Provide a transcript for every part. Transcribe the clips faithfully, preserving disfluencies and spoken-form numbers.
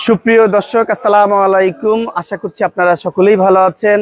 সুপ্রিয় দর্শক, আসসালামু আলাইকুম। আশা করছি আপনারা সকলেই ভালো আছেন।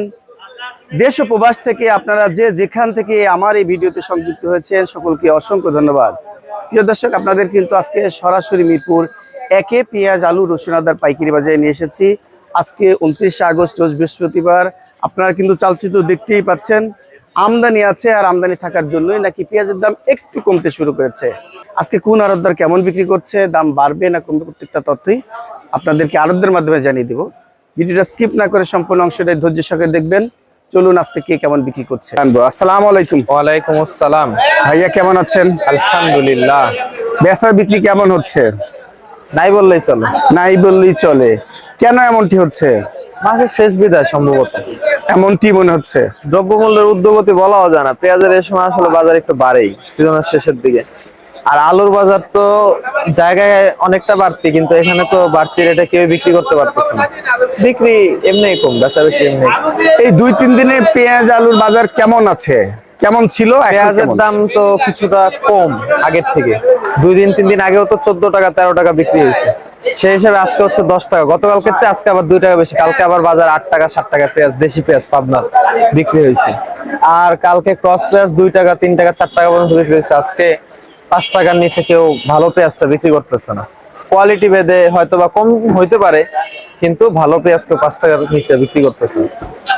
দেশ ও প্রবাস থেকে আপনারা যে যেখান থেকে আমার এই ভিডিওতে সংযুক্ত হয়েছেন সকলকে অসংখ্য ধন্যবাদ। প্রিয় দর্শক, আপনাদের কিন্তু আজকে সরাসরি মিরপুর একে পেঁয়াজ, আলু, রসুন, আদার পাইকারি বাজারে নিয়ে এসেছি। আজকে উনত্রিশে আগস্ট রোজ বৃহস্পতিবার। আপনারা কিন্তু চালচিত্র দেখতেই পাচ্ছেন, আমদানি আছে, আর আমদানি থাকার জন্যই নাকি পেঁয়াজের দাম একটু কমতে শুরু করেছে। আজকে কোন আড়তদার কেমন বিক্রি করছে, দাম বাড়বে না কমবে, প্রত্যেকটা তথ্যই আপনাদেরকে আড়তদারের মাধ্যমে জানিয়ে দেব। ভিডিওটা স্কিপ না করে সম্পূর্ণ অংশটাই ধৈর্য সহকারে দেখবেন। চলুন আজকে কে কেমন বিক্রি করছে। আসসালামু আলাইকুম। ওয়ালাইকুম আসসালাম। ভাইয়া কেমন আছেন? আলহামদুলিল্লাহ। বেচা বিক্রি কেমন হচ্ছে? নাই বললেই চলে। নাই বললেই চলে। কেন এমনটি হচ্ছে? মাসের শেষ বিদায় সম্ভবত এমনটি মনে হচ্ছে। দ্রব্যমূল্যের ঊর্ধ্বগতি বলাও যায় না। পেঁয়াজের এই সময় আসলে বাজার একটু বাড়েই সিজনের শেষের দিকে। আর আলুর বাজার তো জায়গায় অনেকটা বাড়তি, কিন্তু এখানে তো বাড়তি রেটে কেউ বিক্রি করতে পারতেছে না। বিক্রি এমনি কম, বেচা বিক্রি এমনি। এই দুই তিন দিনে পেঁয়াজ আলুর বাজার কেমন আছে, কেমন ছিল? পেঁয়াজের দাম তো কিছুটা কম আগের থেকে। দুই দিন তিন দিন আগেও তো চোদ্দ টাকা তেরো টাকা বিক্রি হয়েছে, সেই হিসাবে আজকে হচ্ছে দশ টাকা। গতকালকে চেয়ে আজকে আবার দুই টাকা বেশি। কালকে আবার বাজার আট টাকা সাত টাকা পেঁয়াজ, দেশি পেঁয়াজ পাবনার বিক্রি হয়েছে। আর কালকে ক্রস পেঁয়াজ দুই টাকা তিন টাকা চার টাকা পর্যন্ত বিক্রি হয়েছে। আজকে পাঁচ টাকার নিচে কেউ ভালো পেঁয়াজটা বিক্রি করতেছে না। কোয়ালিটি ভেদে হয়তো বা কম হইতে পারে, কিন্তু ভালো পেঁয়াজ কেউ পাঁচ টাকার নিচে বিক্রি করতেছে না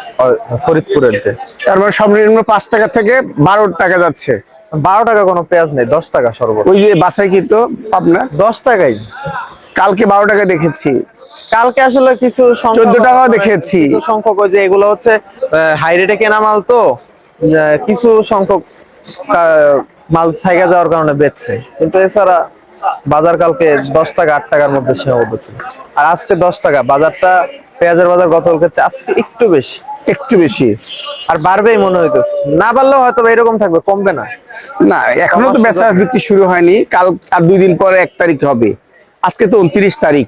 ফরিদপুরের যে। তার মানে সর্বনিম্ন পাঁচ টাকা থেকে বারো টাকা যাচ্ছে। বারো টাকা কোনো পেঁয়াজ নেই, দশ টাকা সর্বোচ্চ। ওই যে বাসাই কিন্তু আপনার দশ টাকাই। কালকে বারো টাকা দেখেছি, কালকে আসলে কিছু চোদ্দ টাকাও দেখেছি। কিছু সংখ্যক ওই যে এগুলো হচ্ছে হাই রেটে কেনা মাল, তো আহ, কিছু সংখ্যক আহ, মাল থেকে যাওয়ার কারণে বেচছে, কিন্তু এছাড়া বাজার কালকে দশ টাকা আট টাকার মধ্যে সীমাবদ্ধ ছিল। আর আজকে দশ টাকা বাজারটা, পেঁয়াজের বাজার গতকালকে চেয়ে আজকে একটু বেশি। একটু বেশি। আর বাড়বেই মনে হইতেছে, না বাড়লেও হয়তো এরকম থাকবে, কমবে না। না, এখনো তো বেচা বিক্রি শুরু হয়নি। কাল আর দুই দিন পরে এক তারিখ হবে। আজকে তো উনত্রিশ তারিখ।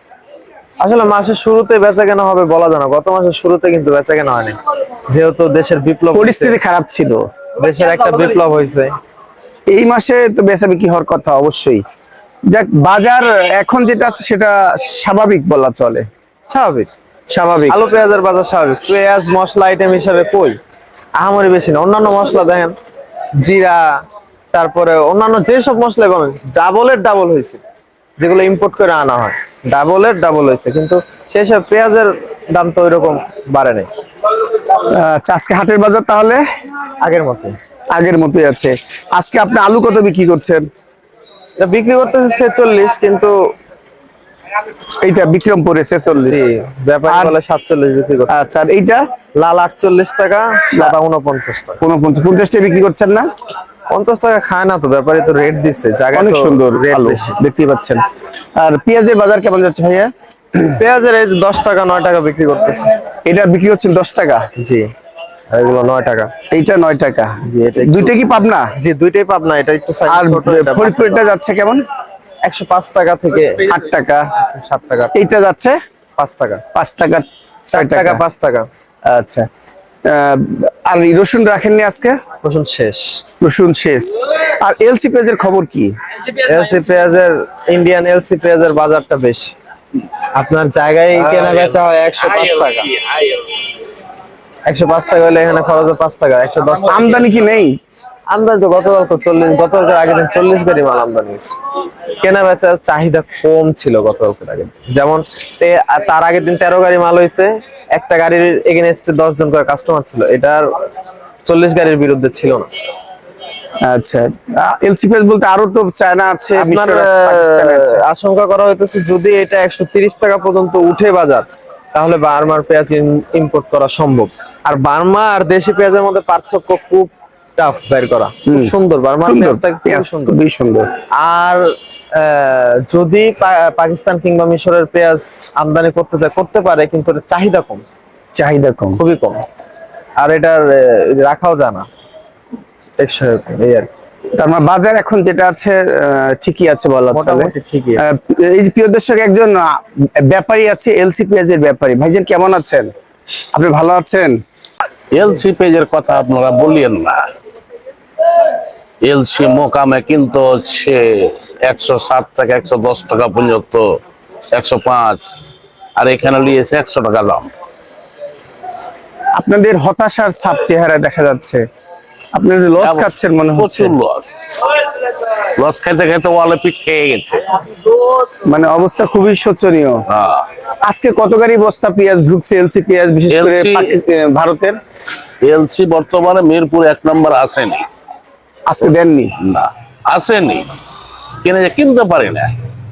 আসলে মাসের শুরুতে বেচা কেনা হবে বলা যায় না। গত মাসের শুরুতে কিন্তু বেচা কেনা হয়নি, যেহেতু দেশের বিপ্লব, পরিস্থিতি খারাপ ছিল, দেশের একটা বিপ্লব হয়েছে। এই মাসে তো বেচা বিক্রি হওয়ার কথা অবশ্যই। যাক, বাজার এখন যেটা আছে সেটা স্বাভাবিক বলা চলে। স্বাভাবিক স্বাভাবিক আলু পেঁয়াজের বাজার স্বাভাবিক। পেঁয়াজ মশলা আইটেম হিসাবে কই আহামরি বেশি না। অন্যান্য মশলা দেখেন, জিরা, তারপরে অন্যান্য যেসব মশলা কমে, ডাবলের ডাবল হয়েছে। যেগুলো ইম্পোর্ট করে আনা হয়, ডাবলের ডাবল হয়েছে, কিন্তু সেই সব পেঁয়াজের দাম তো ওইরকম বাড়ে নাই। আচ্ছা, আজকে হাটের বাজার তাহলে আগের মতো আগের মতোই আছে। আজকে আপনি আলু কত বিক্রি করছেন? এটা বিক্রি করতেছে ছেচল্লিশ, কিন্তু এইটা বিক্রমপুরে ছেচল্লিশ, ব্যাপারী বলে সাতচল্লিশ বিক্রি করতে। আচ্ছা, আর এইটা লাল আটচল্লিশ টাকা, সাদা উনপঞ্চাশ টাকা। উনপঞ্চাশ, পঞ্চাশ টাকা বিক্রি করছেন না? পঞ্চাশ টাকা খায় না তো, ব্যাপারী তো রেট দিচ্ছে, জায়গা অনেক সুন্দর রেট আলু বেশি। দেখতেই পাচ্ছেন। আর পেঁয়াজের বাজার কেমন যাচ্ছে ভাইয়া? পেঁয়াজের এই দশ টাকা নয় টাকা বিক্রি করতেছে। এটা বিক্রি হচ্ছে দশ টাকা। জি, এগুলো নয় টাকা। এইটা নয় টাকা। জি, এটা দুইটা কি পাবনা? জি, দুইটাই পাবনা। এটা একটু সাইজ আর ছোট। এটা ফরিদপুরটা যাচ্ছে কেমন? একশো পাঁচ টাকা থেকে আট টাকা, সাত টাকা। এইটা যাচ্ছে পাঁচ টাকা, পাঁচ টাকা, চার ছয় টাকা, টাকা, পাঁচ টাকা। আচ্ছা। আহ, আর এই রসুন রাখেননি আজকে? রসুন শেষ। রসুন শেষ। আর এলসি পেঁয়াজের খবর কি? এলসি পেঁয়াজের, ইন্ডিয়ান এলসি পেঁয়াজের বাজারটা বেশি। আপনার জায়গায় কেনা বেচা হয় একশো পাঁচ টাকা। একশো পাঁচ টাকা হলে এখানে খরচ পাঁচ টাকা। একশো দশ টাকা। আমদানি কি নেই? আমদানি তো গতকাল তো চল্লিশ, গতকালের আগের দিন চল্লিশ গাড়ি মাল আমদানি হয়েছে। কেনা বেচার চাহিদা কম ছিল গতকালের আগের দিন। যেমন তার আগের দিন তেরো গাড়ি মাল হয়েছে, একটা গাড়ির এগেনস্টে দশ জন করে কাস্টমার ছিল। এটার চল্লিশ গাড়ির বিরুদ্ধে ছিল না। আচ্ছা, এলসি পেঁয়াজ বলতে আরো তো চায়না আছে, আপনার মিশর আছে, পাকিস্তান আছে। আশঙ্কা করা হইতেছে যদি এটা একশো তিরিশ টাকা পর্যন্ত উঠে বাজার, তাহলে বার্মার পেঁয়াজ ইম্পোর্ট করা সম্ভব। আর বার্মা আর দেশি পেঁয়াজের মধ্যে পার্থক্য খুব টাফ বের করা। খুব সুন্দর বার্মার পেঁয়াজটা, খুবই সুন্দর। আর যদি পাকিস্তান কিংবা মিশরের পেঁয়াজ আমদানি করতে চায় করতে পারে, কিন্তু চাহিদা কম। চাহিদা কম, খুবই কম। আর এটার রাখাও যায় না টেকসই, এই আর কি। তার মানে বাজার এখন যেটা আছে ঠিকই আছে বলা চলে। মোটামুটি ঠিকই আছে। এই যে প্রিয় দর্শক, একজন ব্যাপারী আছে, এলসি পেঁয়াজের ব্যাপারী। ভাইজান কেমন আছেন? আপনি ভালো আছেন? এলসি পেজের কথা আপনারা বলিয়েন না। এলসি মোকামে কিন্তু সে একশো সাত টাকা একশো দশ টাকা পর্যন্ত একশো পাঁচ, আর এখানে নিয়েছে একশো টাকা দাম। আপনাদের হতাশার ছাপ চেহারা দেখা যাচ্ছে, আপনাদের লস খাচ্ছেন মনে হচ্ছে। প্রচুর লস, লস খাইতে খাইতে ওয়ালে পিঠ খেয়ে গেছে। মানে অবস্থা খুবই শোচনীয়। হ্যাঁ, আজকে কত গাড়ি বস্তা পেঁয়াজ ঢুকছে এলসি পেঁয়াজ, বিশেষ করে এলসি পাকিস্তান ভারতের? এলসি বর্তমানে মিরপুর এক নম্বর আসেনি। আজকে দেননি? না, আসেনি, কিনে কিনতে পারি না।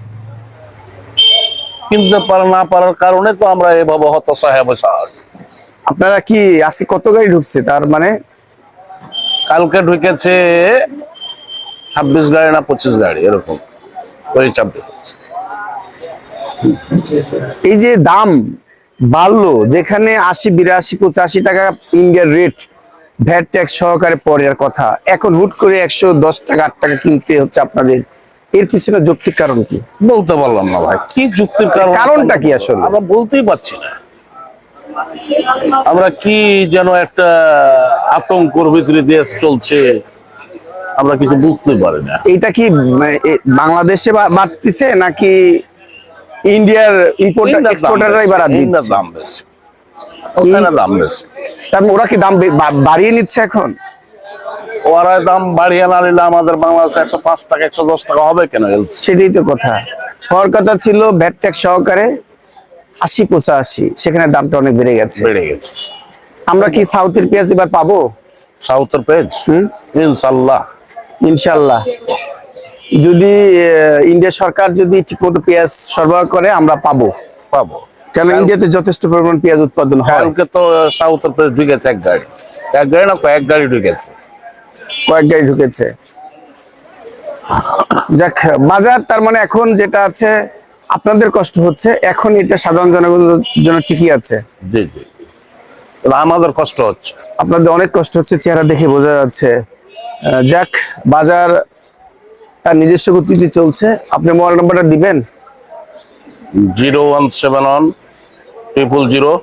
কিনতে পারা না পারার কারণে তো আমরা এভাবে হতাশা হয়ে বসে আছি। আপনারা কি আজকে কত গাড়ি ঢুকছে তার মানে? কালকে ঢুকেছে ছাব্বিশ গাড়ি না পঁচিশ গাড়ি এরকম, ওই ছাব্বিশ। এই যে দাম বাড়লো, যেখানে আশি বিরাশি পঁচাশি টাকা ইন্ডিয়ার রেট, ভ্যাট ট্যাক্স সহকারে পরের কথা, এখন হুট করে একশো দশ টাকা আট টাকা কিনতে হচ্ছে আপনাদের। এর পিছনে যৌক্তিক কারণ কি? বলতে পারলাম না ভাই, কি যুক্তির কারণ, কারণটা কি আসলে? আমরা বলতেই পারছি না। আমরা কি যেন একটা আতঙ্কর ভিতরে দেশ চলছে, আমরা কিছু বুঝতে পারি না। এইটা কি উম, এ, বাংলাদেশে বা- বাড়তিছে নাকি ইন্ডিয়ার ইম্পোর্টার ইন্ডিয়ার দাম এক্সপোর্টাররাই বেশি, বাড়া ইন্ডিয়ার দিচ্ছে? দাম বেশি, ওখানে দাম বেশি। তার মানে ওরা কি দাম বে- বা- বাড়িয়ে নিচ্ছে এখন? ওরা দাম বাড়িয়ে না নিলে আমাদের বাংলাদেশে একশো পাঁচ টাকা একশো দশ টাকা হবে কেন? সেটাই তো কথা। হওয়ার কথা ছিল ভ্যাট ট্যাক্স সহকারে আশি পঁচাশি, সেখানে দামটা অনেক বেড়ে গেছে। বেড়ে গেছে। আমরা কি সাউথের পেঁয়াজ এবার পাবো? সাউথের পেজ হুম, ইনশাল্লাহ। ইনশাল্লাহ। যদি আহ, ইন্ডিয়া সরকার যদি ঠিকমতো পেঁয়াজ সরবরাহ করে আমরা পাবো, পাবো। কারণ ইন্ডিয়াতে যথেষ্ট পরিমাণ পেঁয়াজ উৎপাদন হয়। কালকে তো সাউথের পেজ ঢুকেছে এক গাড়ি, এক গাড়ি না কয়েক গাড়ি ঢুকেছে। কয়েক গাড়ি ঢুকেছে। যাক, বাজার তার মানে এখন যেটা আছে, আপনাদের কষ্ট হচ্ছে, এখন এটা সাধারণ জনগণের জন্য ঠিকই আছে। জি জি, তবে আমাদের কষ্ট হচ্ছে। আপনাদের অনেক কষ্ট হচ্ছে, চেহারা দেখে বোঝা যাচ্ছে। আহ, যাক, বাজার তার নিজস্ব গতিতে চলছে। আপনি মোবাইল নাম্বারটা দিবেন? Zero one seven one triple zero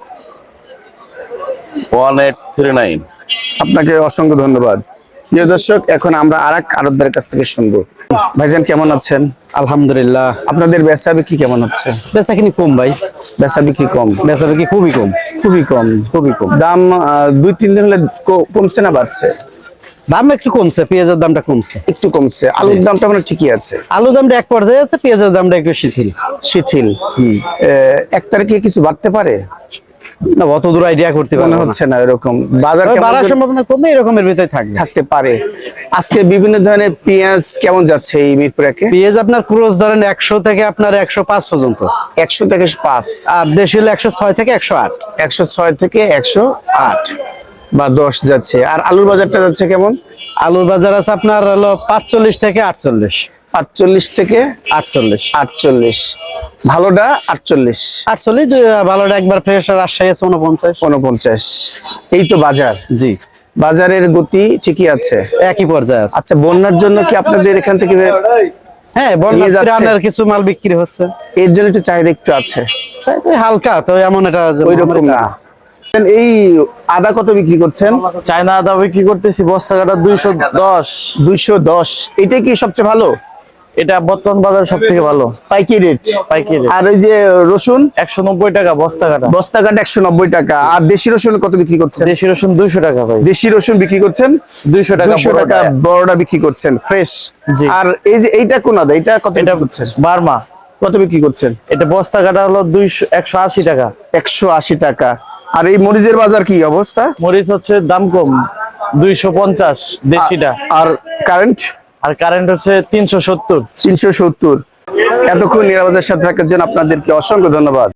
one eight three nine. আপনাকে অসংখ্য ধন্যবাদ। প্রিয় দর্শক, এখন আমরা আর এক আড়তদারের কাছ থেকে শুনবো। ভাইজান কেমন আছেন? আলহামদুলিল্লাহ, আপনাদের বেচা বিক্রি কেমন হচ্ছে? বেচা কিনি কম ভাই, বেচা বিক্রি কম? বেচা বিক্রি খুবই কম, খুবই কম। খুবই কম। দাম আহ, দুই তিন দিন হলে ক- কমছে না বাড়ছে? দাম একটু কমছে, পেঁয়াজের দামটা কমছে, একটু কমছে। আলুর দামটা মানে ঠিকই আছে? আলুর দামটা এক পর্যায়ে আছে, পেঁয়াজের দামটা একটু শিথিল। শিথিল। আহ, এক তারিখে কিছু বাড়তে পারে না, অত দূর আইডিয়া করতে মনে পারবো না। হচ্ছে না এরকম। বাজার তবে কেমন বাড়ার করে সম্ভাবনা কমে, এরকমের ভিতরে থাকবে। থাকতে পারে? আজকে বিভিন্ন ধরনের পেঁয়াজ কেমন যাচ্ছে এই মিরপুরাকে? পেঁয়াজ আপনার ক্রোজ ধরেন একশো থেকে আপনার একশো পাঁচ পর্যন্ত, একশো থেকে পাঁচ, আর দেশি হলে একশো ছয় থেকে একশো আট। একশো ছয় থেকে একশো আট বা দশ যাচ্ছে। আর আলুর বাজারটা যাচ্ছে কেমন? আলুর বাজার আছে আপনার হলো পাঁচচল্লিশ থেকে আটচল্লিশ। পাঁচচল্লিশ থেকে আটচল্লিশ আটচল্লিশ, ভালোটা আটচল্লিশ, আটচল্লিশ। ভালোটা একবার ফ্রেশ, রাজশাহী আছে উনপঞ্চাশ। উনপঞ্চাশ। এই তো বাজার। জি, বাজারের গতি ঠিকই আছে। একই পর্যায়ে আছে। আচ্ছা, বন্যার জন্য কি আপনাদের এখান থেকে হ্যাঁ, নিয়ে বন্যা যাচ্ছে? ত্রাণের কিছু মাল বিক্রি হচ্ছে, এর জন্য একটু চাহিদা একটু আছে, চাইতে হালকা, তো এমন এটা যে ওই রকম না। এই আদা কত বিক্রি করছেন? চায়না আদা বিক্রি করতেছি বস্তা কাটা দুইশো দশ। দুইশো দশ। এটাই কি সবচেয়ে ভালো? এটা বর্তমান বাজার সব থেকে ভালো পাইকারি রেট? পাইকারি আর ওই যে রসুন একশো নব্বই টাকা বস্তা কাটা। বস্তা কাঠ একশো নব্বই টাকা। আর দেশি রসুন কত বিক্রি করছেন? দেশি রসুন দুইশো টাকা ভাই, দেশি রসুন বিক্রি করছেন দুইশো টাকা দুইশো টাকা, বড়টা। বড়টা বিক্রি করছেন ফ্রেশ। জি। আর এই যে এইটা কোন আদা, এটা কত এটা বিক্রি করছেন? বার্মা, কত বিক্রি করছেন? এটা বস্তা কাটা হলো দুইশো একশো আশি টাকা। একশো আশি টাকা। আর এই মরিচের বাজার কি অবস্থা? মরিচ হচ্ছে দাম কম, দুইশো পঞ্চাশ দেশিটা, আর কারেন্ট আর কারেন্ট হচ্ছে তিনশো সত্তর। তিনশো সত্তর। এতক্ষণ নিরাপদের সাথে থাকার জন্য আপনাদেরকে অসংখ্য ধন্যবাদ।